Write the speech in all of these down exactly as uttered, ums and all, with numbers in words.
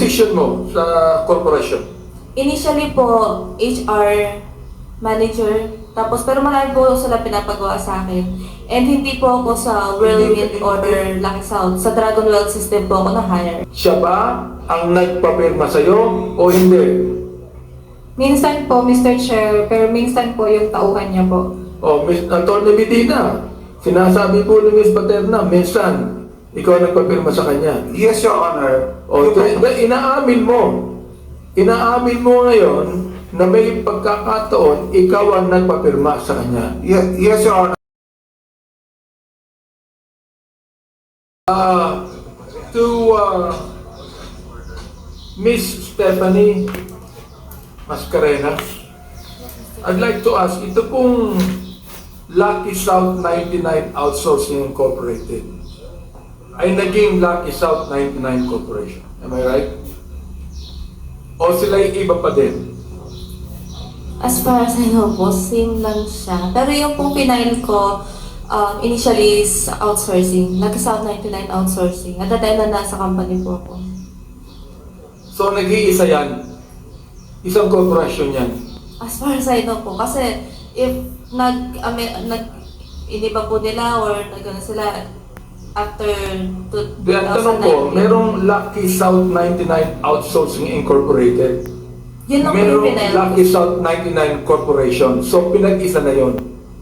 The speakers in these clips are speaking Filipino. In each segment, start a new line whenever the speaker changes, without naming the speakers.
position mo sa corporation?
Initially po, H R manager. Tapos, pero marami po sila pinapagawa sa akin. And hindi po ako sa Whirlwind or Lucky South. Sa Dragon World System po ako na-hire.
Siya ba ang nagpapirma sa'yo o hindi?
Minsan po, Mister Chair, pero minsan po yung tauhan niya po.
O, Miss Atty. Medina, sinasabi po ni Miss Paterna, minsan, ikaw ang nagpapirma sa kanya.
Yes, Your Honor.
O, ito, inaamin mo. Inaamin mo ngayon na may pagkakataon, ikaw ang nagpapirma sa kanya.
Ye- Yes, Your Honor.
Uh, to uh, Miss Stephanie Mascarenas, I'd like to ask, ito pong Lucky South ninety-nine Outsourcing Incorporated ay naging Lucky South ninety-nine Corporation. Am I right? O sila'y iba pa din?
As far as I know po, same lang siya. Pero yung pong pinail ko, um, initially is outsourcing. Lucky South ninety-nine Outsourcing. At the time na nasa company po ako.
So nag-iisa yan. Isang corporation yan.
As far as I know po, kasi if nag, ame, nag iniba po nila or nagano sila after two-
Di, ang tanong ko, merong Lucky South ninety-nine Outsourcing Incorporated.
Yun lang po yung
Merong
pinail ko.
Lucky South ninety-nine Corporation. So, pinag-isa na yon.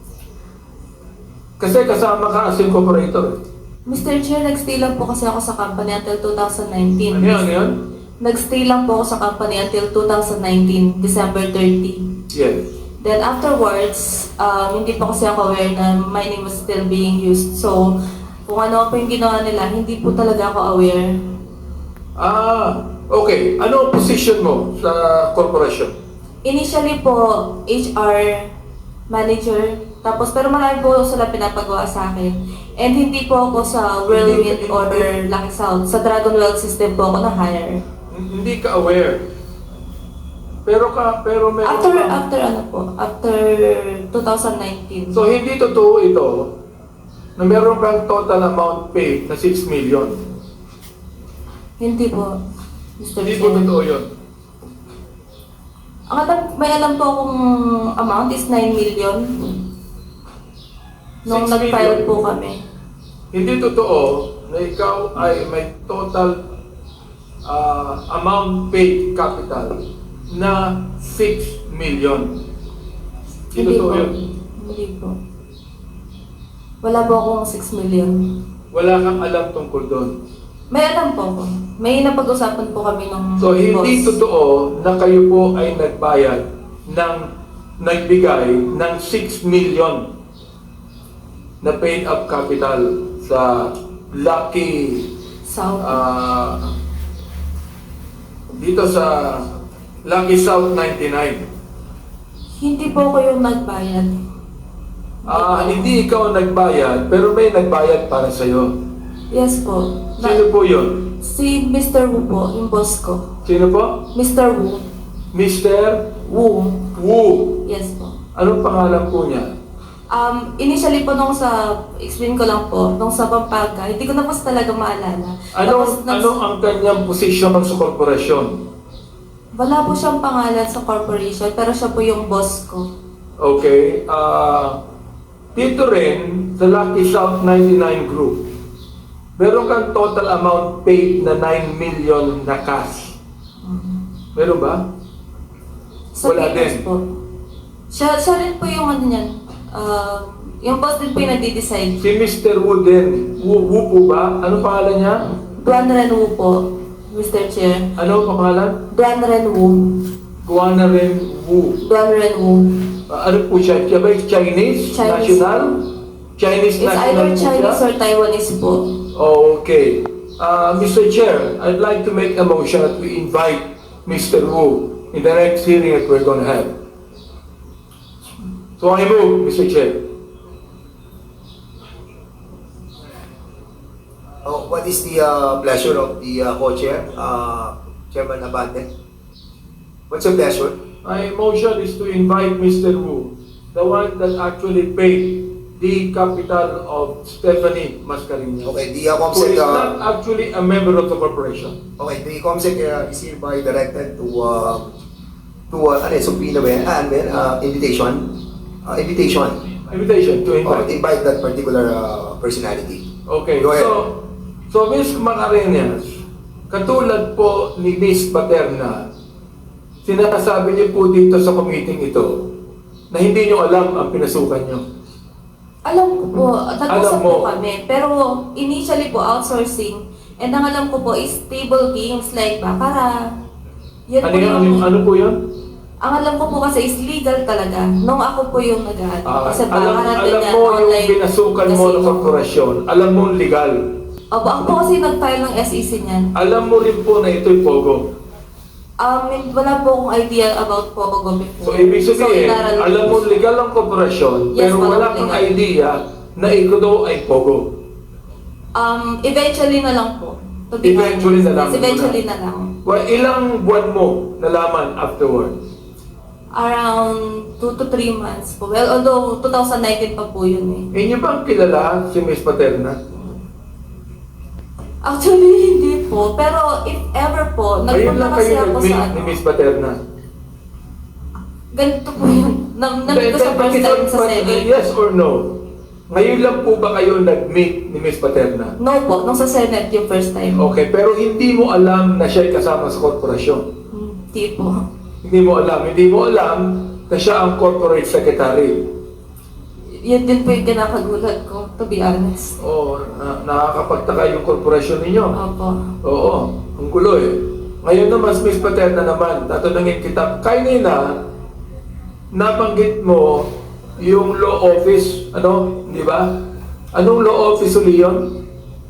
Kasi kasama ka as incorporator.
Mister Chair, nag-stay lang po kasi ako sa company until two thousand nineteen.
Ano yun? Ano yun?
Nag-stay lang po ako sa company until two thousand nineteen, December thirtieth.
Yes.
Then afterwards, um, hindi pa kasi ako aware na my name was still being used. So, kung ano po yung ginawa nila, hindi po talaga ako aware.
Ah, okay. Ano ang position mo sa corporation?
Initially po, H R manager. Tapos, pero marami po sila pinapagawa sa akin. And hindi po ako sa Whirlwind or Lucky South. Sa Dragon World System po ako na-hire.
Hindi ka aware. Pero ka, pero meron
After,
ka-
after ano po, after two thousand nineteen.
So, hindi totoo ito na meron kang total amount paid na six million.
Hindi po, Mister
Hindi po
Chair.
totoo yun.
Ang alam, may alam po akong amount is nine million. Nung
Six
nag-file
million.
po kami.
Hindi totoo na ikaw ay may total ah, amount paid capital na six million. Hindi
Hindi
totoo
po.
yun.
Hindi po. Wala po akong six million.
Wala kang alam tungkol doon.
May alam po ako. May napag-usapan po kami ng
So, hindi
boss.
totoo na kayo po ay nagbayad ng nagbigay ng six million na paid up capital sa Lucky
South.
ah, dito sa Lucky South ninety-nine.
Hindi po ako yung nagbayad.
Ah, hindi ikaw ang nagbayad, pero may nagbayad para sa iyo.
Yes po. Na-
Sino po 'yon?
si Mister Wu po, yung boss ko.
Sino po?
Mister Wu.
Mister
Wu.
Wu.
Yes po.
Anong pangalan po niya?
Um, initially po nung sa, explain ko lang po, nung sa Pampanga, hindi ko na po talaga maalala.
Ano
Tapos,
ano ang kanyang posisyon sa korporasyon?
wala po siyang pangalan sa corporation, pero siya po yung boss ko.
Okay. Ah, dito rin sa Lucky South ninety-nine Group, meron kang total amount paid na nine million na cash. Meron ba?
Sa
Wala
papers
din.
po. Siya, siya rin po yung ano niyan. Uh, yung boss din po yung nagde-decide.
Si Mister Wu din. Wu, Wu po ba? Ano pangalan niya?
Duan Ren Wu po, Mister Chair.
Ano ang pangalan?
Duan Ren Wu.
Guana Ren Wu.
Duan Ren Wu.
Ah, ano po siya? Siya ba yung Chinese?
Chinese.
National? Chinese
It's
national
either
po
Chinese
siya?
or Taiwanese po.
Okay. Uh, Mister Chair, I'd like to make a motion that we invite Mister Wu in the next hearing that we're going to have. So I move, Mister Chair.
Oh, what is the uh, pleasure of the uh, co-chair, uh, Chairman Abante? What's your pleasure?
My motion is to invite Mister Wu, the one that actually paid the capital of Stephanie Mascareñas.
Okay, the uh,
Who
COMSEC,
is
uh,
not actually a member of the corporation.
okay, the COMSEC uh, is hereby directed to uh, to uh, ano, subpoena ba yan? Ah, ano ba yan? Uh, invitation. Uh, invitation.
Invitation to
Or
invite.
invite that particular uh, personality.
Okay,
Go ahead.
so, so Miz Mascareñas, katulad po ni Miz Paterna, sinasabi niyo po dito sa committee ito na hindi niyo alam ang pinasukan niyo.
Alam ko po, nag-usap
Alam mo.
po kami. Pero initially po, outsourcing. And ang alam ko po is table games like baccarat. Yan
Ano,
po
yun?
yung,
ano, ano po yun?
ang alam ko po kasi is legal talaga. Nung ako po yung nag-ano.
Ah,
kasi
alam,
baccarat,
alam
ganyan,
mo yung
online
pinasukan mo ng
casino.
korporasyon. Alam mo legal.
Opo, ako po kasi nag-file ng S E C niyan.
Alam mo rin po na ito'y Pogo.
Um, wala po akong idea about Pogo
So,
before.
ibig sabihin,
inaral ko
alam
po
mo
siya.
legal ang korporasyon,
Yes,
pero
alam
wala
ko
kang
legal.
idea na ito ay Pogo.
Um, eventually na lang po. To be
Eventually
honest.
na lang
Yes, eventually
muna.
na lang.
Well, ilang buwan mo nalaman afterward?
Around two to three months po. Well, although twenty nineteen pa po yun eh.
Inyo bang kilala si Miss Paterna?
Actually, hindi po. Pero if ever po,
Ngayon
nagpunta
lang
kasi
kayo
ako
nag-meet
sa
ni
ano.
Miss Paterna.
Ganito po yun. Na, na ko sa first time sa Senate.
Yes or no? Ngayon lang po ba kayo nag-meet ni Miss Paterna?
No po, nung sa Senate yung first time.
Okay, pero hindi mo alam na siya'y kasama sa korporasyon.
Hindi po.
Hindi mo alam. Hindi mo alam na siya ang corporate secretary.
Yun din po yung kinakagulat ko, to be honest.
Oo, na, nakakapagtaka yung korporasyon ninyo.
Opo.
Oo, ang gulo eh. Ngayon naman, Miss Paterna naman, tatanungin kita, kanina, nabanggit mo yung law office, ano, di ba? Anong law office uli yun?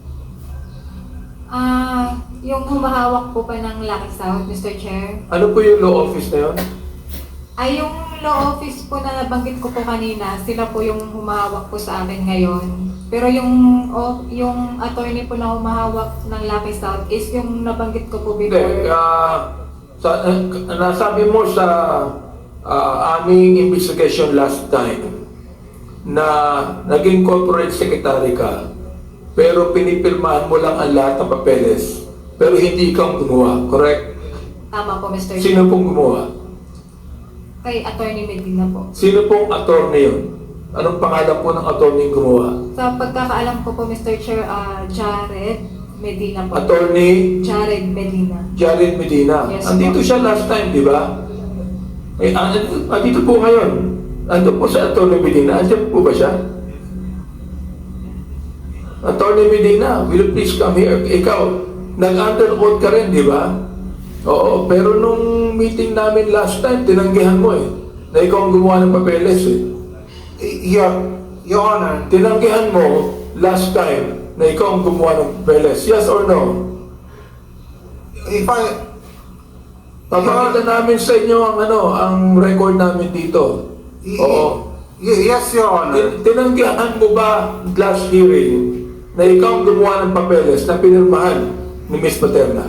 Ah, yung humahawak po pa ng Lucky South, Mister Chair.
Ano po yung law office na yun?
Ay, yung law office po na nabanggit ko po kanina, sila po yung humahawak po sa akin ngayon. Pero yung o, yung attorney po na humahawak ng Lucky South is yung nabanggit ko po
Hindi,
before.
ah, sa, uh, nasabi mo sa ah, aming investigation last time na naging corporate secretary ka, pero pinipirmahan mo lang ang lahat ng papeles, pero hindi ikaw ang gumawa, correct?
Tama po, Mister Chair.
Sino pong gumawa?
Kay Attorney Medina po.
Sino pong attorney yun? Anong pangalan po ng attorney yung gumawa?
Sa pagkakaalam ko po, Mister Chair, ah, Jared Medina po.
Attorney
Jared Medina.
Jared Medina.
Yes,
Andito
po.
siya last time, di ba? Eh, andito, andito po ngayon. Ando po sa attorney Medina. Andiyan po ba siya? Attorney Medina, will you please come here? Ikaw, nag-under oath ka rin, di ba? Oo, pero nung meeting namin last time, tinanggihan mo eh. Na ikaw ang gumawa ng papeles eh.
Your, Your Honor,
Tinanggihan mo last time na ikaw ang gumawa ng papeles. Yes or no?
if I,
Papakita namin sa inyo ang ano, ang record namin dito. Oo.
Y- yes, Your Honor.
Tin- Tinanggihan mo ba last hearing na ikaw ang gumawa ng papeles na pinirmahan ni Miss Paterna?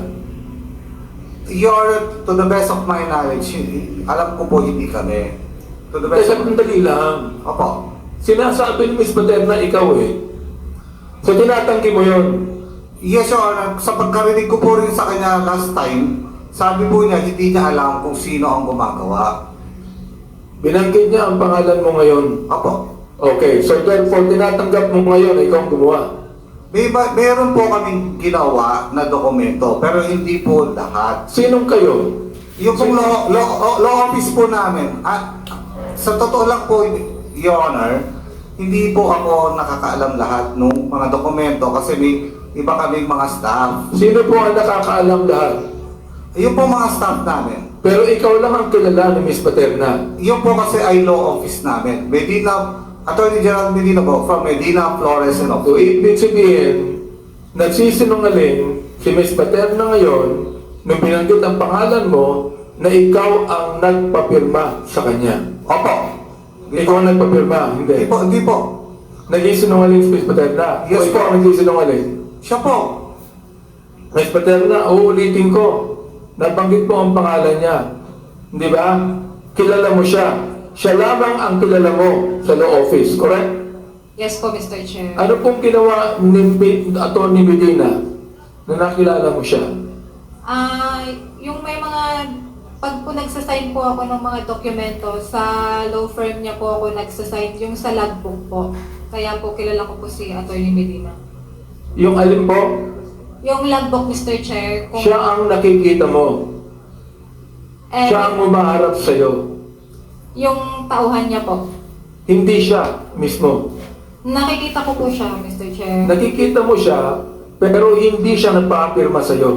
Your, to the best of my knowledge, alam ko po hindi kami. To the best
Kasi
of...
sandali lang.
Opo.
Sinasabi ni Miss Paterna, ikaw eh. So tinatanggi mo yun.
Yes, Your Honor. Sa pagkarinig ko po rin sa kanya last time, sabi po niya, hindi niya alam kung sino ang gumagawa.
Binanggit niya ang pangalan mo ngayon.
Opo.
Okay, so therefore tinatanggap mo ngayon na ikaw ang gumawa.
May, ba- meron po kaming ginawa na dokumento, pero hindi po lahat.
Sinong kayo?
Yung pong law, law, law office po namin, at sa totoo lang po, Your Honor, hindi po ako nakakaalam lahat ng mga dokumento kasi may iba kaming mga staff.
Sino po ang nakakaalam lahat?
Yung po mga staff namin,
Pero ikaw lang ang kilala ni Miss Paterna.
yung po kasi ay law office namin. Medina, Attorney General Medina po, from Medina, Flores, and
So,
Oco.
ibig sabihin, nagsisinungaling si Miss Paterna ngayon nung binanggit ang pangalan mo na ikaw ang nagpapirma sa kanya.
Opo.
Ikaw ang nagpapirma,
Hindi
hindi.
po, hindi po.
Nagsisinungaling si Miss Paterna.
Yes,
o ikaw
po.
ang nagsisinungaling.
Siya po.
Miss Paterna, uulitin ko. Nabanggit mo ang pangalan niya. Di ba? Kilala mo siya. Siya lamang ang kilala mo sa law office, correct?
Yes po, Mister Chair.
Ano pong ginawa ni Atty. Medina na nakilala mo siya?
Ah, yung may mga, pag po nagsasign po ako ng mga dokumento, sa law firm niya po ako nagsasign, yung sa logbook po. Kaya po kilala ko po si Atty. Medina.
Yung alin po,
Yung logbook, Mister Chair, kung...
siya ang nakikita mo.
eh,
Siya ang umaharap sa'yo.
yung tauhan niya po.
Hindi siya mismo.
Nakikita ko po siya, Mister Chair.
Nakikita mo siya, pero hindi siya nagpa-apirma sa'yo.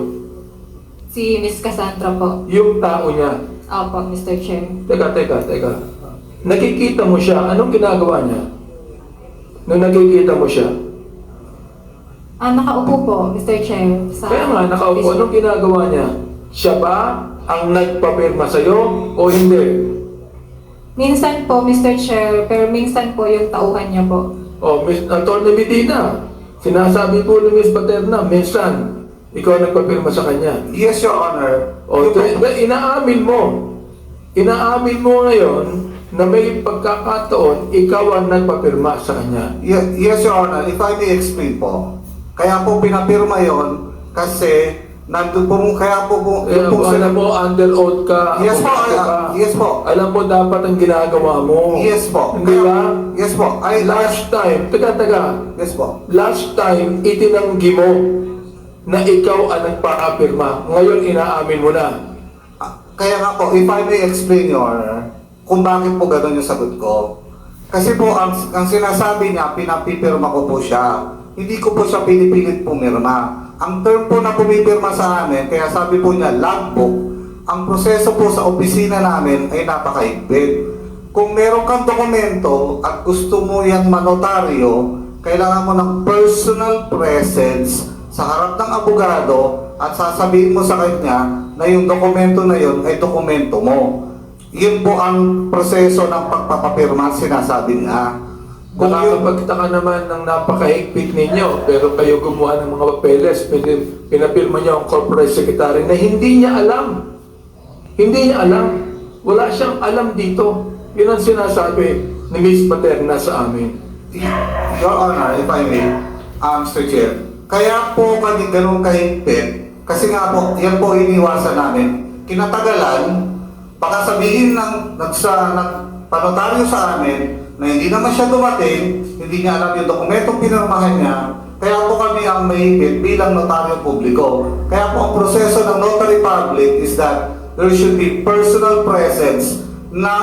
Si Miss Cassandra po.
Yung tao niya.
Opo, Mister Chair.
Teka, teka, teka. Nakikita mo siya, anong ginagawa niya? Nung nakikita mo siya.
Ah, nakaupo po, Mister Chair. Sa
Kaya nga, nakaupo, anong ginagawa niya? Siya ba ang nagpapirma sa'yo o hindi?
Minsan po, Mister Chair, pero minsan po yung tauhan niya po.
O, Miss Atty. Medina, sinasabi po ni Miss Paterna, minsan, ikaw ang nagpapirma sa kanya.
Yes, Your Honor.
O,
Yung-
t- t- inaamin mo. Inaamin mo ngayon na may pagkakataon, ikaw ang nagpapirma sa kanya.
Ye- yes, Your Honor. If I may explain po. Kaya po pinapirma yon kasi nandun po, kaya po po,
Eh,
yun po
alam
sila-
mo, under oath ka.
Yes po,
abogado
ah,
ka.
yes po.
Alam mo dapat ang ginagawa mo.
Yes po.
Hindi ba?
Yes po. Ay,
Last time, taga taga,
Yes po.
last time, itinanggi mo na ikaw ang nagpa-apirma. Ngayon, inaamin mo na.
Ah, Kaya nga po, if I may explain, Your Honor, kung bakit po gano'n yung sagot ko. Kasi po, ang, ang sinasabi niya, pinapipirma ko po siya. Hindi ko po siya pinipilit pumirma. Ang term po na pumipirma sa amin, kaya sabi po niya, logbook, ang proseso po sa opisina namin ay napakahigpit. Kung meron kang dokumento at gusto mo yan manotaryo, kailangan mo ng personal presence sa harap ng abogado at sasabihin mo sa kanya na yung dokumento na yun ay dokumento mo. Yun po ang proseso ng pagpapapirma, sinasabi nga. Kung yun,
Nakakapagtaka naman ng napakahigpit ninyo, pero kayo gumawa ng mga papeles, pin- pinapirma niyo ang corporate secretary na hindi niya alam. Hindi niya alam. Wala siyang alam dito. Yun ang sinasabi ni Miss Paterna sa amin.
Your Honor, if I may, um, Mister Chair, kaya po kami ganun kahigpit, kasi nga po, yan po iniwasan namin. Kinatagalan, baka sabihin ng nagsa, nagpanotaryo sa amin, na hindi naman siya dumating, hindi niya alam yung dokumentong pinirmahan niya, kaya po kami ang mahigpit bilang notaryo publiko. Kaya po ang proseso ng notary public is that there should be personal presence ng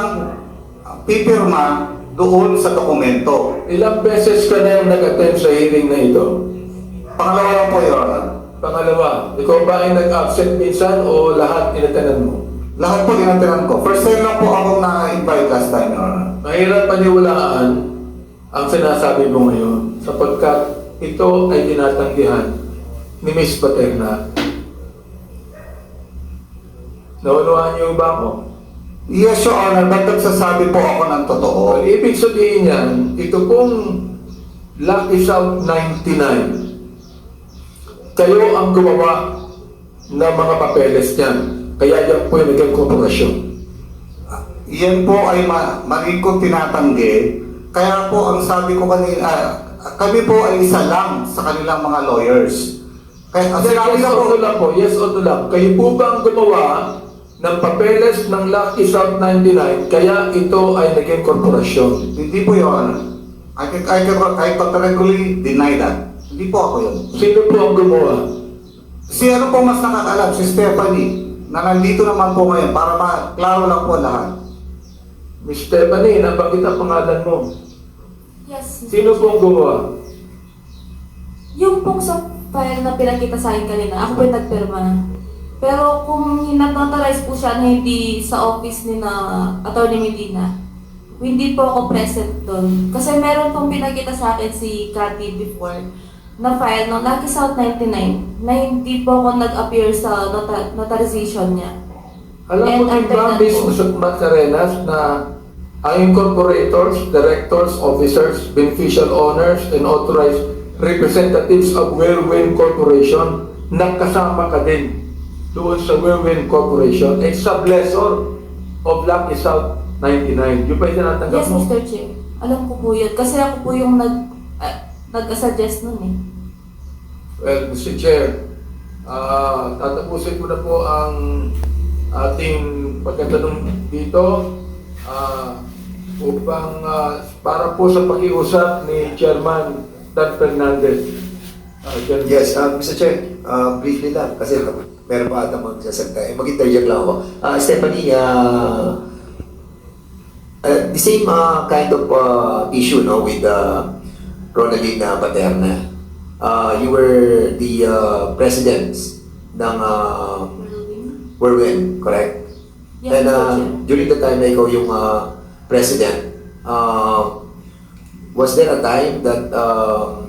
pipirma doon sa dokumento.
Ilang beses ka na yung nag-attend sa hearing na ito?
Pangalawa lang po, Your Honor.
Pangalawa, ikaw ba ay nag-absent minsan o lahat inatanan mo?
Lahat po tinatiran ko. First time lang po akong na-invite last time, Your Honor.
Mahirap paniwalaan ang sinasabi mo ngayon sapagkat ito ay tinatanggihan ni Miss Paterna. Naunawaan niyo ba ako?
Yes, Your Honor. Ba't nagsasabi po ako ng totoo?
Ang ibig sabihin yan, ito pong Lucky South ninety-nine, kayo ang gumawa ng mga papeles niyan. Kaya yan po yung naging korporasyon.
Yan po ay ma mali kong tinatanggi. Kaya po ang sabi ko kanina, ah, kami po ay isa lang sa kanilang mga lawyers. Kaya ang sinabi
Yes
ko
o
po,
no lang po, yes o no lang. Kayo po ba ang gumawa ng papeles ng Lucky South ninety-nine, kaya ito ay naging korporasyon?
hindi po, Your Honor. I can, I can, I categorically deny that. Hindi po ako yun.
Sino po ang gumawa?
Si ano po mas nakakalam? Si Stephanie, na nandito naman po ngayon para maklaro lang po lahat.
Miss Stephanie, nabanggit ang pangalan mo.
Yes.
Sino po ang gumawa?
Yung pong sa file na pinakita sa akin kanina, ako po yung nagpirma. Pero kung hinatotarize po siya na hindi sa office ni na Atty. Medina, hindi po ako present doon. Kasi meron pong pinakita sa akin si Cathy before na file ng Lucky South ninety-nine na hindi po ako nag-appear sa nota- notarization niya.
Alam mo
And
din ba,
after that
Miss
po-
Musukmat Carenas, na ang incorporators, directors, officers, beneficial owners, and authorized representatives of Whirlwind Corporation, nagkasama ka din doon sa Whirlwind Corporation, a sublessor of Lucky South ninety-nine. Yung pa yung tinatanggap
Yes,
mo?
Mister Chair. Alam ko po yun. Kasi ako po yung nag, ah, nag-suggest nun eh.
Well, Mister Chair, ah tatapusin ko na po ang ating pagkatanong dito ah upang ah, para po sa pakiusap ni Chairman Dan Fernandez. Ah, Chairman.
Yes, uh, Mister Chair, uh, briefly lang, kasi meron pa ata magsasalita. Eh, mag-interject lang ako. Uh, Stephanie, uh, uh, the same uh, kind of uh, issue no, with uh, Ronaldine uh, Paterna. Uh, you were the uh, president ng uh,
Whirlwind?
Whirlwind, correct?
Yes,
And
Mister
uh,
Chair.
during the time na ikaw yung uh, president, uh, was there a time that um,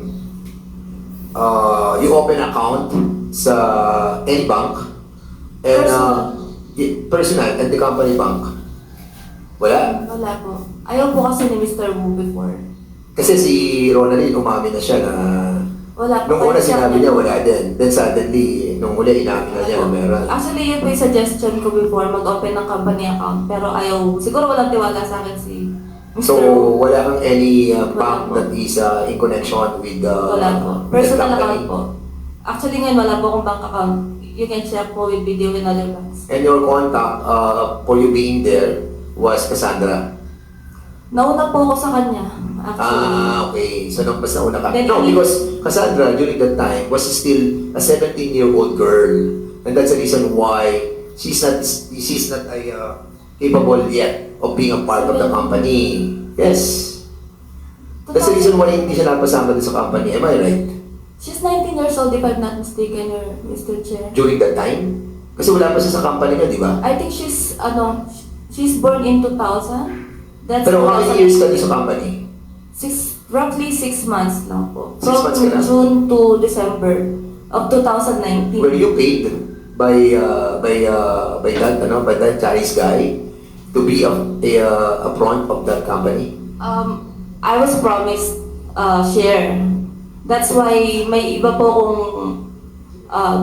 uh, you open account sa any bank and uh, y- personal and the company bank? Wala?
Wala po. Ayaw po kasi ni Mister Wu before.
Kasi si Ronaldine umamin na siya na
Wala po.
nung una
Kasi
sinabi
ako-
niya wala din. Then suddenly, nung uli inamin na niya na meron.
Actually, yun po yung suggestion ko before mag-open ng company account. Pero ayaw, siguro walang tiwala sa akin si Mister
So,
Wu.
wala kang any uh,
Wala
bank
po.
that is uh, in connection with the
Wala po.
with the
Personal
company?
account po. Actually ngayon wala po akong bank account. You can check po with video in other banks.
And your contact uh, for you being there was Cassandra.
Nauna po ako sa kanya, actually.
Ah, okay. So, nung mas nauna ka.
Then
No,
he-
because Cassandra, during that time, was still a seventeen-year-old girl. And that's the reason why she's not she's not a, uh, capable yet of being a part of the company. Yes. That's the reason why hindi siya napasama din sa company. Am I right?
She's nineteen years old if I'm not mistaken, your Mister Chair.
During that time? Kasi wala pa siya sa company niya, di ba?
I think she's, ano, she's born in two thousand. That's
Pero how many years ka din sa company?
Six, roughly six months lang po.
Six months ka lang?
June to December of two thousand nineteen.
Were you paid by uh, by uh, by that ano by that Chinese guy to be a a, uh, a front of that company?
Um, I was promised uh, share. That's why may iba po kung um,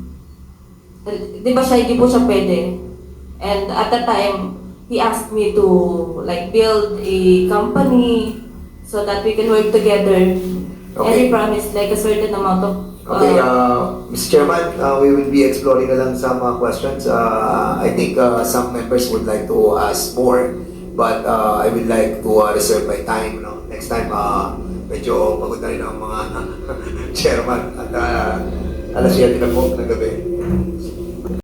di ba siya, hindi po siya pwede. And at that time, he asked me to like build a company so that we can work together. And
Okay.
he promised like a certain amount of
Okay,
uh,
uh, Mister Chairman, uh, we will be exploring na lang some uh, questions. Uh, I think uh, some members would like to ask more, but uh, I would like to uh, reserve my time. No? Next time, uh, medyo pagod na rin ang mga chairman at uh, alas siyete na po ng gabi.